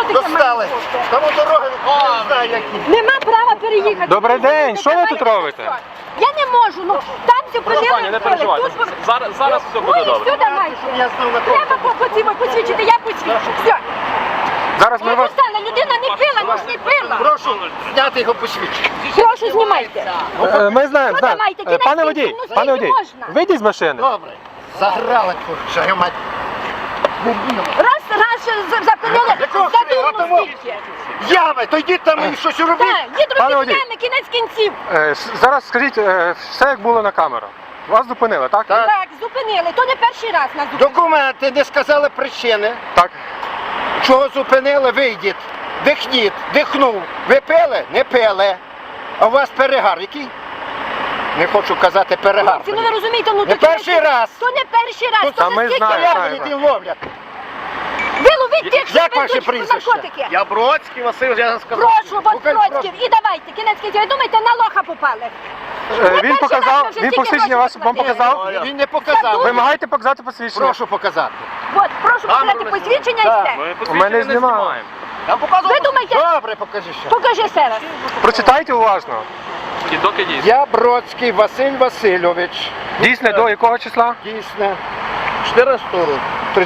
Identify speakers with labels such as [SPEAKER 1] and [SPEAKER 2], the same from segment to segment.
[SPEAKER 1] таке
[SPEAKER 2] Достали.
[SPEAKER 1] має?
[SPEAKER 2] Тому дороги не знаю які.
[SPEAKER 1] Нема права переїхати.
[SPEAKER 3] Добрий день, що ви тут робите?
[SPEAKER 1] Я не можу, ну там все прожили.
[SPEAKER 4] Не переживайте. Зараз все буде добре.
[SPEAKER 1] Сюди дайте.
[SPEAKER 2] Я знав на
[SPEAKER 1] Треба посвідчити, я посвідчу. Все.
[SPEAKER 3] Зараз ми вас...
[SPEAKER 1] Людина не пила, не пила.
[SPEAKER 2] Прошу зняти його посвідчення.
[SPEAKER 1] Прошу, знімайте.
[SPEAKER 3] Ми знаємо,
[SPEAKER 1] Що давайте,
[SPEAKER 3] знаємо. Пане
[SPEAKER 1] кінець
[SPEAKER 3] водій,
[SPEAKER 1] кінців, ну,
[SPEAKER 3] пане
[SPEAKER 1] скільки
[SPEAKER 3] водій,
[SPEAKER 1] можна?
[SPEAKER 3] вийдіть з машини.
[SPEAKER 2] Добре. Заграли курча, мать.
[SPEAKER 1] Раз запинили,
[SPEAKER 2] Якого
[SPEAKER 1] за
[SPEAKER 2] хрена?
[SPEAKER 1] дурну скільки.
[SPEAKER 2] Ями, то йдіть там і щось робіть.
[SPEAKER 1] Так, їд
[SPEAKER 3] Пане
[SPEAKER 1] робіть
[SPEAKER 3] водій.
[SPEAKER 1] ями, кінець кінців.
[SPEAKER 3] Зараз скажіть, все як було на камеру. Вас зупинили, так?
[SPEAKER 2] Так.
[SPEAKER 1] Так, зупинили, то не перший раз нас зупинили.
[SPEAKER 2] Документи, не сказали причини.
[SPEAKER 3] Так.
[SPEAKER 2] Чого зупинили, вийдіть. Дихніть, дихнув. Ви пили? Не пили. А у вас перегар який? Не хочу казати перегар.
[SPEAKER 1] Хлопці, ну ви розумієте, ну
[SPEAKER 2] Не
[SPEAKER 1] то
[SPEAKER 2] перший раз.
[SPEAKER 1] То не перший раз,
[SPEAKER 2] Тут
[SPEAKER 1] то
[SPEAKER 3] ми
[SPEAKER 1] не скільки
[SPEAKER 3] знаємо,
[SPEAKER 1] раз.
[SPEAKER 3] знаємо.
[SPEAKER 2] Ягоди ловлять.
[SPEAKER 1] Ви ловіть тих, що
[SPEAKER 2] Як ваше
[SPEAKER 1] везуть
[SPEAKER 2] прізвище?
[SPEAKER 1] наркотики.
[SPEAKER 5] Я Бродський Василь, я сказав.
[SPEAKER 1] Прошу, вас Бродський, і давайте, кінець кінців. Ви думаєте, на лоха попали?
[SPEAKER 3] Він показав, він посвідчення вас вам показав.
[SPEAKER 2] Він не показав.
[SPEAKER 3] Вимагайте показати посвідчення.
[SPEAKER 2] Прошу показати.
[SPEAKER 1] От, прошу показати посвідчення і все.
[SPEAKER 4] Ми
[SPEAKER 3] У мене
[SPEAKER 4] посвідчення не
[SPEAKER 3] знімаємо.
[SPEAKER 4] знімаємо.
[SPEAKER 5] Я показував.
[SPEAKER 1] Ви думаєте,
[SPEAKER 2] Добре, покажи ще.
[SPEAKER 1] покажи ще раз.
[SPEAKER 3] Прочитайте уважно.
[SPEAKER 4] І доки дійсно.
[SPEAKER 2] Я Бродський Василь Васильович.
[SPEAKER 3] Дійсно, до якого числа?
[SPEAKER 2] Дійсно. 14 року.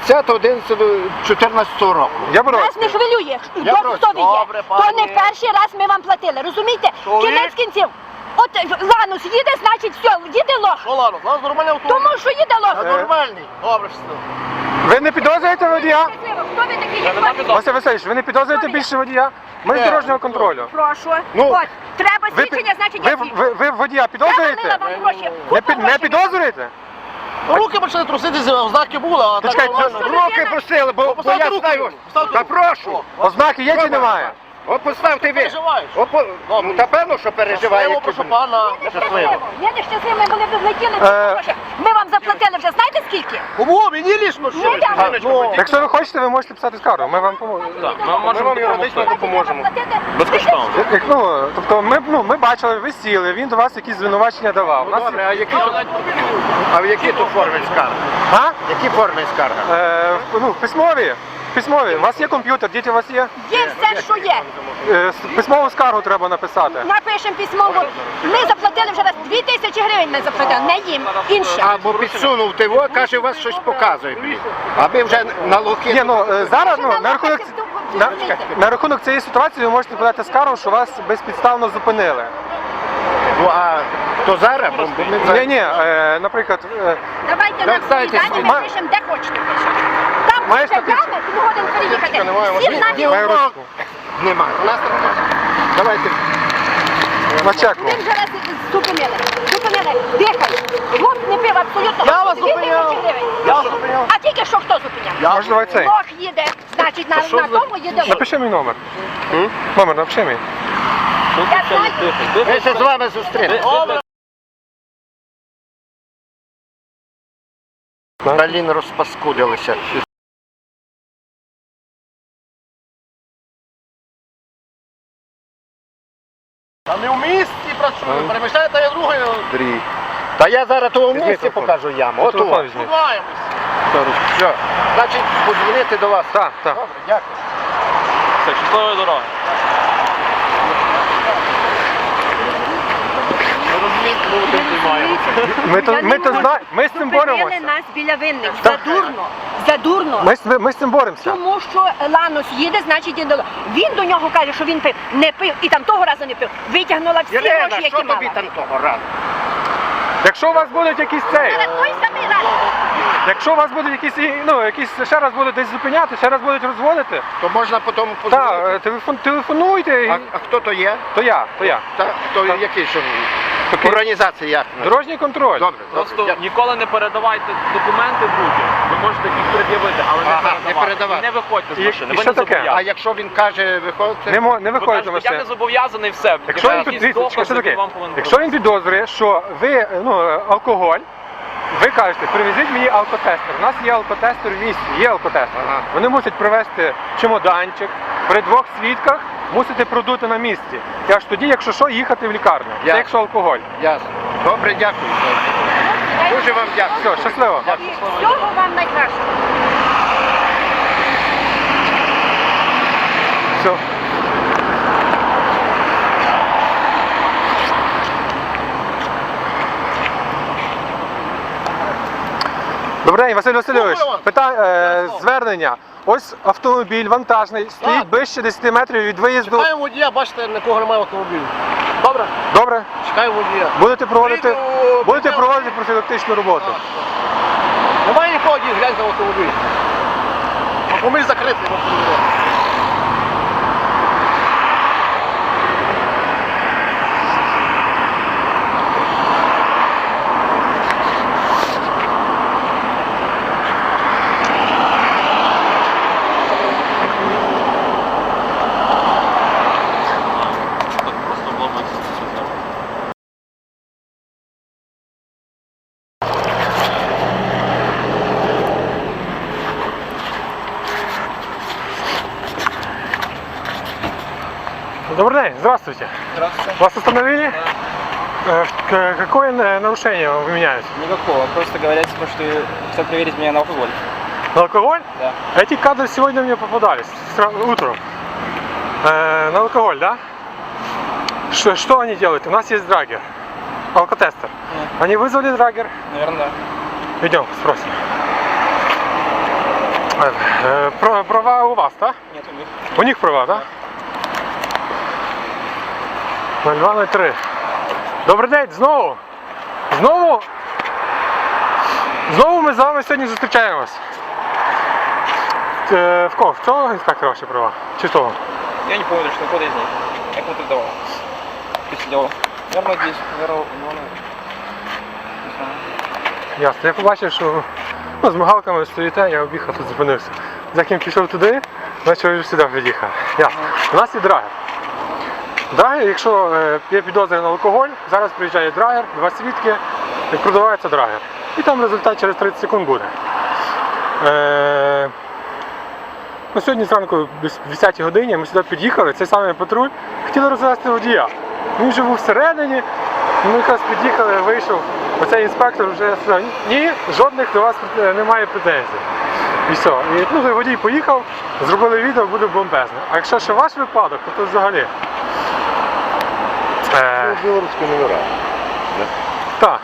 [SPEAKER 2] 30.11.14 року.
[SPEAKER 3] Я
[SPEAKER 1] Нас не
[SPEAKER 3] Бородський.
[SPEAKER 1] хвилює,
[SPEAKER 2] Я
[SPEAKER 1] хто
[SPEAKER 2] просто-
[SPEAKER 1] ви є.
[SPEAKER 5] Добре,
[SPEAKER 1] То не
[SPEAKER 5] пані.
[SPEAKER 1] перший раз ми вам платили, розумієте?
[SPEAKER 5] Чоловік.
[SPEAKER 1] Кінець кінців. От Ланус їде, значить все, їде лох.
[SPEAKER 5] Що, ладно, у нас нормальний автомобіль.
[SPEAKER 1] Тому що їде лох.
[SPEAKER 2] Нормальний.
[SPEAKER 5] Добре, щасливо.
[SPEAKER 3] Ви не підозрюєте водія?
[SPEAKER 1] Хто ви такий, як
[SPEAKER 4] нема
[SPEAKER 1] ви?
[SPEAKER 4] підозри.
[SPEAKER 3] Василь Васильович, ви не підозрюєте більше водія? Ми з дорожнього контролю.
[SPEAKER 1] Прошу.
[SPEAKER 2] Ну,
[SPEAKER 1] От, треба
[SPEAKER 3] Ви,
[SPEAKER 1] свідчення, значить я свідчу.
[SPEAKER 3] ви водія
[SPEAKER 1] Я налила
[SPEAKER 3] підозрюєте?
[SPEAKER 1] вам гроші.
[SPEAKER 3] Не,
[SPEAKER 1] Купа
[SPEAKER 3] не
[SPEAKER 1] грошей.
[SPEAKER 3] підозрюєте?
[SPEAKER 5] Руки почали труситися, ознаки були, а так
[SPEAKER 3] Чекайте,
[SPEAKER 5] нормально.
[SPEAKER 2] Руки просили, бо я
[SPEAKER 5] Поставте руки.
[SPEAKER 2] знаю.
[SPEAKER 5] Поставте
[SPEAKER 2] Та
[SPEAKER 5] руки.
[SPEAKER 2] прошу.
[SPEAKER 3] Ознаки є чи немає?
[SPEAKER 2] От поставте ви.
[SPEAKER 5] Переживаєш?
[SPEAKER 2] Ну, та певно, що переживає.
[SPEAKER 5] Щасливо, прошу пана. Щасливо.
[SPEAKER 1] Я не щаслива, коли ви влетіли. Ми вам заплатили вже, знаєте скільки?
[SPEAKER 5] Кому? Мені лічно
[SPEAKER 1] Ні,
[SPEAKER 5] ще.
[SPEAKER 1] я-
[SPEAKER 5] Ну,
[SPEAKER 3] Якщо ви хочете, ви можете писати скаргу. Ми вам поможемо.
[SPEAKER 4] Так, ми можемо допомогти.
[SPEAKER 3] допоможемо.
[SPEAKER 4] Безкоштовно.
[SPEAKER 3] Тобто ми бачили, ви сіли, він до вас якісь звинувачення давав. У нас-
[SPEAKER 2] Добре, а в якій тут формі скарга?
[SPEAKER 3] А?
[SPEAKER 2] Які формі скарга?
[SPEAKER 3] Письмові. Письмові. У вас є комп'ютер, діти у вас є?
[SPEAKER 1] Є все, що є.
[SPEAKER 3] Письмову скаргу треба написати.
[SPEAKER 1] Напишемо письмово. Ми заплатили вже раз 2000 гривень ми заплатили, не їм, іншим.
[SPEAKER 2] Або підсунув тиво, каже, у вас щось показує. Блін. Аби вже на лохи.
[SPEAKER 3] Ні, зараз
[SPEAKER 1] Що
[SPEAKER 3] на рахунок, на рахунок цієї ситуації ви можете подати скаргу, що вас безпідставно зупинили.
[SPEAKER 2] Ну, а то зараз? Бо ми зараз-
[SPEAKER 3] Ні, наприклад,
[SPEAKER 1] Давайте нам
[SPEAKER 2] дайте
[SPEAKER 1] свої дані,
[SPEAKER 3] свої.
[SPEAKER 1] напишемо, де хочете пишемо. Там
[SPEAKER 3] Маєш
[SPEAKER 1] буде
[SPEAKER 3] таку-
[SPEAKER 1] ями, ти годин переїхати. Всі
[SPEAKER 2] Ні,
[SPEAKER 1] знають,
[SPEAKER 3] маю ручку.
[SPEAKER 2] Нема. У нас так. Давайте.
[SPEAKER 3] На чеку.
[SPEAKER 1] ми вже раз зупинили. Зупинили, дихай. Лох не пив абсолютно.
[SPEAKER 5] Я вас
[SPEAKER 1] 2000
[SPEAKER 5] зупиняв.
[SPEAKER 1] гривень.
[SPEAKER 5] Я вас зупиняв.
[SPEAKER 1] А тільки що хто зупиняв?
[SPEAKER 3] Може, давай цей.
[SPEAKER 1] Лох їде, значить на тому їде лох.
[SPEAKER 3] Напиши мій номер. Номер, напиши мій.
[SPEAKER 1] Я знаю.
[SPEAKER 2] Ми ще з вами зустрінемося. Блін, розпаскудилися.
[SPEAKER 5] Та не в місті працюю, переміщаєте я другий.
[SPEAKER 2] Та я зараз того в
[SPEAKER 3] Візьми
[SPEAKER 2] місці
[SPEAKER 3] телефон.
[SPEAKER 2] покажу яму. От
[SPEAKER 3] Телефон
[SPEAKER 2] о.
[SPEAKER 3] візьми.
[SPEAKER 5] Сподіваємось.
[SPEAKER 2] Все. Значить, подзвонити до вас.
[SPEAKER 3] Так, так.
[SPEAKER 2] Добре, дякую.
[SPEAKER 4] Все, щасливої дороги.
[SPEAKER 3] Ми з цим боремося.
[SPEAKER 1] Зупинили нас біля винних. Задурно. Задурно.
[SPEAKER 3] Ми з цим боремося.
[SPEAKER 1] Тому що Ланос їде, значить їде. Він до нього каже, що він пив, не пив, і там того разу не пив. Витягнула всі
[SPEAKER 2] Ірина,
[SPEAKER 1] гроші,
[SPEAKER 2] що
[SPEAKER 1] які
[SPEAKER 2] тобі
[SPEAKER 1] мала.
[SPEAKER 2] там того разу?
[SPEAKER 3] Якщо у вас будуть якісь цей,
[SPEAKER 1] Але той самий раз.
[SPEAKER 3] якщо у вас будуть якісь ще раз будуть десь зупиняти, ще раз будуть розводити,
[SPEAKER 2] То можна потім подзвонити.
[SPEAKER 3] так, телефонуйте.
[SPEAKER 2] А хто то є?
[SPEAKER 3] То я.
[SPEAKER 2] Та, хто який що? Організація як?
[SPEAKER 3] Дорожній контроль.
[SPEAKER 2] Добре,
[SPEAKER 4] Просто
[SPEAKER 2] добре.
[SPEAKER 4] ніколи не передавайте документи будь. Ви можете їх пред'явити, але
[SPEAKER 2] Не
[SPEAKER 4] не
[SPEAKER 2] передавати.
[SPEAKER 4] І не виходьте з
[SPEAKER 3] І
[SPEAKER 4] машини.
[SPEAKER 3] що
[SPEAKER 4] Ви не
[SPEAKER 3] таке?
[SPEAKER 2] А
[SPEAKER 4] зобов'язані.
[SPEAKER 2] якщо він каже, виходите?
[SPEAKER 3] Не
[SPEAKER 4] Ви
[SPEAKER 3] виходите з
[SPEAKER 4] кажете, я не
[SPEAKER 3] машини.
[SPEAKER 4] зобов'язаний, все.
[SPEAKER 3] Якщо він,
[SPEAKER 4] Якісь
[SPEAKER 3] дивіться,
[SPEAKER 4] докази,
[SPEAKER 3] що таке?
[SPEAKER 4] вам повинен
[SPEAKER 3] Якщо він підозрює, що ви алкоголь, ви кажете, привезіть мені алкотестер. У нас є алкотестер в місті, є алкотестер.
[SPEAKER 2] Ага.
[SPEAKER 3] Вони мусять привезти чемоданчик, при 2 свідках мусите продути на місці. І аж тоді, якщо що, їхати в лікарню. Це
[SPEAKER 2] Ясно.
[SPEAKER 3] якщо алкоголь.
[SPEAKER 2] Ясно. Добре, дякую. Дуже вам дякую.
[SPEAKER 3] Все, щасливо.
[SPEAKER 1] І всього вам найкращого.
[SPEAKER 3] Добрий день, Василь Васильович.
[SPEAKER 5] Здорово.
[SPEAKER 3] Звернення. Ось автомобіль вантажний, стоїть
[SPEAKER 5] Так.
[SPEAKER 3] ближче 10 метрів від виїзду.
[SPEAKER 5] Чекаємо водія, бачите, нікого немає в автомобілі. Добре?
[SPEAKER 3] Добре?
[SPEAKER 5] Чекаємо водія.
[SPEAKER 3] Будете проводити
[SPEAKER 5] Прийду,
[SPEAKER 3] профілактичну роботу.
[SPEAKER 5] Немає нікого, дій, гляньте в автомобіль. Автомобіль закритий, можна перевіряти.
[SPEAKER 4] Просто обломок.
[SPEAKER 3] Добрый день, здравствуйте.
[SPEAKER 4] Здравствуйте.
[SPEAKER 3] Вас остановили? Какое нарушение вы меняете?
[SPEAKER 6] Никакого, просто говорят, типа, что хотят проверить меня на алкоголь.
[SPEAKER 3] На алкоголь?
[SPEAKER 6] Да.
[SPEAKER 3] Эти кадры сегодня мне попадались утром. На алкоголь, да? Что они делают? У нас есть драгер, алкотестер. Они вызвали драгер.
[SPEAKER 6] Наверное, да.
[SPEAKER 3] Идем, спросим. Права у вас, да?
[SPEAKER 6] Нет, у них.
[SPEAKER 3] У них права, да? 0203. Добрий день, знову. Знову ми з вами сьогодні зустрічаємось. В кого? В цього інспектора ваші права? Чи в того?
[SPEAKER 6] Я не помню, что код из них. Я кому-то давал. Ты сидел. Наверное, здесь. Наверное, не знаю.
[SPEAKER 3] Ясно. Я побачив, що з мигалками стоїте, я об'їхав, тут зупинився. Заким пішов туди, значить ви вже сюди під'їхав. Ясно. У нас є драгер. Драгер, якщо є підозри на алкоголь, зараз приїжджає драгер, 2 свідки, і продавається драгер. І там результат через 30 секунд буде. Сьогодні зранку, десь в 10 годині, ми сюди під'їхали, цей самий патруль, хотіли розвести водія. Він вже був всередині, ми якраз під'їхали, вийшов, оцей інспектор вже сказав, ні, жодних до вас немає претензій. І все. І водій поїхав, зробили відео, буде бомбезне. А якщо ще ваш випадок, то взагалі.
[SPEAKER 2] Білоруські номера.
[SPEAKER 3] Так.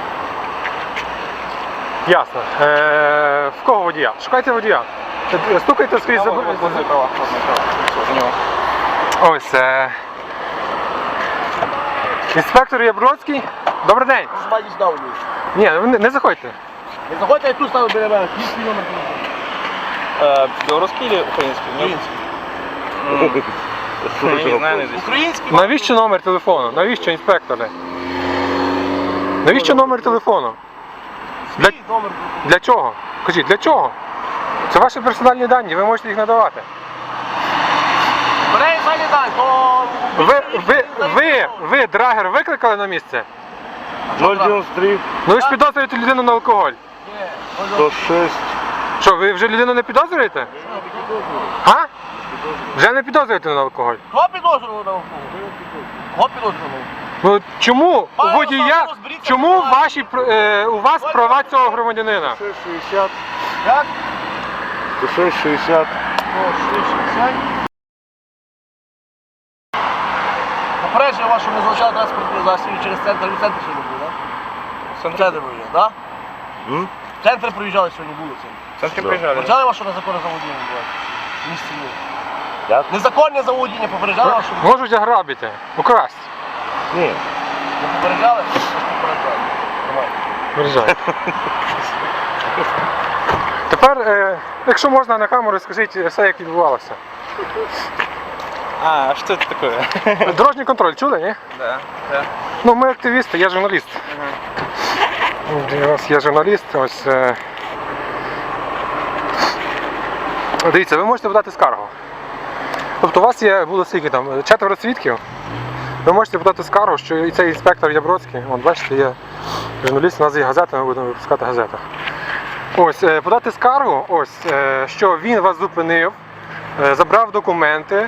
[SPEAKER 3] Ясно. В кого водія? Шукайте водія. Стукайте скрізь за...
[SPEAKER 6] Вот возле права. Все, у него.
[SPEAKER 3] Ось. Інспектор Ябродський. Добрий день.
[SPEAKER 5] Змаді сюди водій.
[SPEAKER 3] Ні, ви не заходьте.
[SPEAKER 5] Не заходьте, я тут ставлю біля мене. Їхній номер телефону.
[SPEAKER 6] Белорусский или украинский?
[SPEAKER 5] Український.
[SPEAKER 6] Я не знаю, наизусть.
[SPEAKER 5] Український?
[SPEAKER 3] Навіщо номер телефону? Навіщо, інспекторе? Навіщо номер телефону? Для,
[SPEAKER 5] Свій номер.
[SPEAKER 3] для чого? Кажіть, для чого? Це ваші персональні дані, ви можете їх надавати.
[SPEAKER 5] Бере і зайде далі, то...
[SPEAKER 3] Ви драгер викликали на місце?
[SPEAKER 2] 093
[SPEAKER 3] Ну ви ж підозрюєте людину на алкоголь.
[SPEAKER 2] 106.
[SPEAKER 3] Що, ви вже людину не підозрюєте? А? Вже не підозрюєте на алкоголь?
[SPEAKER 5] Кого підозрювали на алкоголь? Кого підозрювали?
[SPEAKER 3] Ну чому у
[SPEAKER 5] Пане
[SPEAKER 3] водія,
[SPEAKER 5] Руслане, розберіться
[SPEAKER 3] чому
[SPEAKER 5] в ситуації.
[SPEAKER 3] у вас права цього громадянина?
[SPEAKER 2] 660.
[SPEAKER 5] Як?
[SPEAKER 2] 660.
[SPEAKER 5] Попереджую вас, що ми залучали транспортні засоби через центр. Ви в центрі сьогодні були, так? В центрі приїжджали, так? В центр приїжджали сьогодні, були в центрі.
[SPEAKER 6] В центре приезжали.
[SPEAKER 5] Попереджали вас, що незаконне заволодіння відбувається? В місті ні.
[SPEAKER 2] Як?
[SPEAKER 5] Незаконне заволодіння попереджали вас, що...
[SPEAKER 3] Можуть ограбити, украсть.
[SPEAKER 2] Ні.
[SPEAKER 5] Не попереджали? Попереджали. Нормально.
[SPEAKER 3] Виїжджай. Тепер, якщо можна на камеру, скажіть все, як відбувалося.
[SPEAKER 6] А что это такое?
[SPEAKER 3] Дорожній контроль чули, ні?
[SPEAKER 6] Да, да.
[SPEAKER 3] Ну, ми активісти, я журналіст. У нас є журналіст, ось. Дивіться, ви можете подати скаргу. Тобто у вас було скільки там, 4 свідків. Ви можете подати скаргу, що і цей інспектор Ябродський, от бачите, є журналіст, у нас є газета, ми будемо випускати газету. Ось, подати скаргу, ось, що він вас зупинив, забрав документи,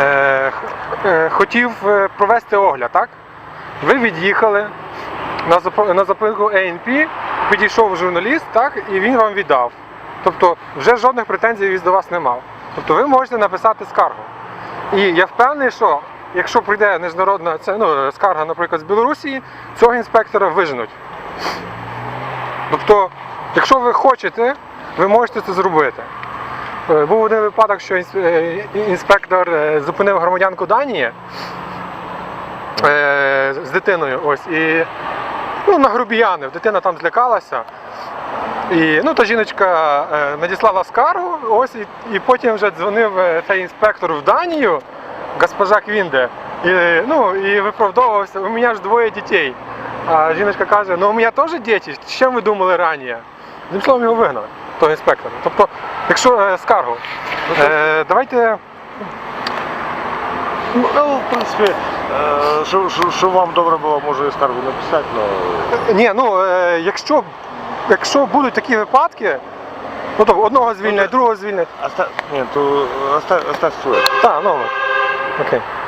[SPEAKER 3] хотів провести огляд, так? Ви від'їхали на зупинку АНП, підійшов журналіст, так, і він вам віддав. Тобто вже жодних претензій він до вас не мав. Тобто ви можете написати скаргу. І я впевнений, що якщо прийде міжнародна скарга, наприклад, з Білорусі, цього інспектора виженуть. Тобто Якщо ви хочете, ви можете це зробити. Був один випадок, що інспектор зупинив громадянку Данії з дитиною. Ось, і нагрубіянив. Дитина там злякалася. І та жіночка надіслала скаргу, ось, і потім вже дзвонив цей інспектор в Данію, госпожа Квінде, і виправдовувався, у мене ж 2 дітей. А жіночка каже, у мене теж діти, з чим ви думали раніше? Одним словом, його вигнали, того інспектора. Тобто, якщо скаргу, давайте...
[SPEAKER 7] Ну, в принципі, що вам добре було, може і скаргу написати, але...
[SPEAKER 3] Ні, якщо будуть такі випадки, то одного звільнять, другого звільнять.
[SPEAKER 7] Ні, то оставь своє.
[SPEAKER 3] Так, окей.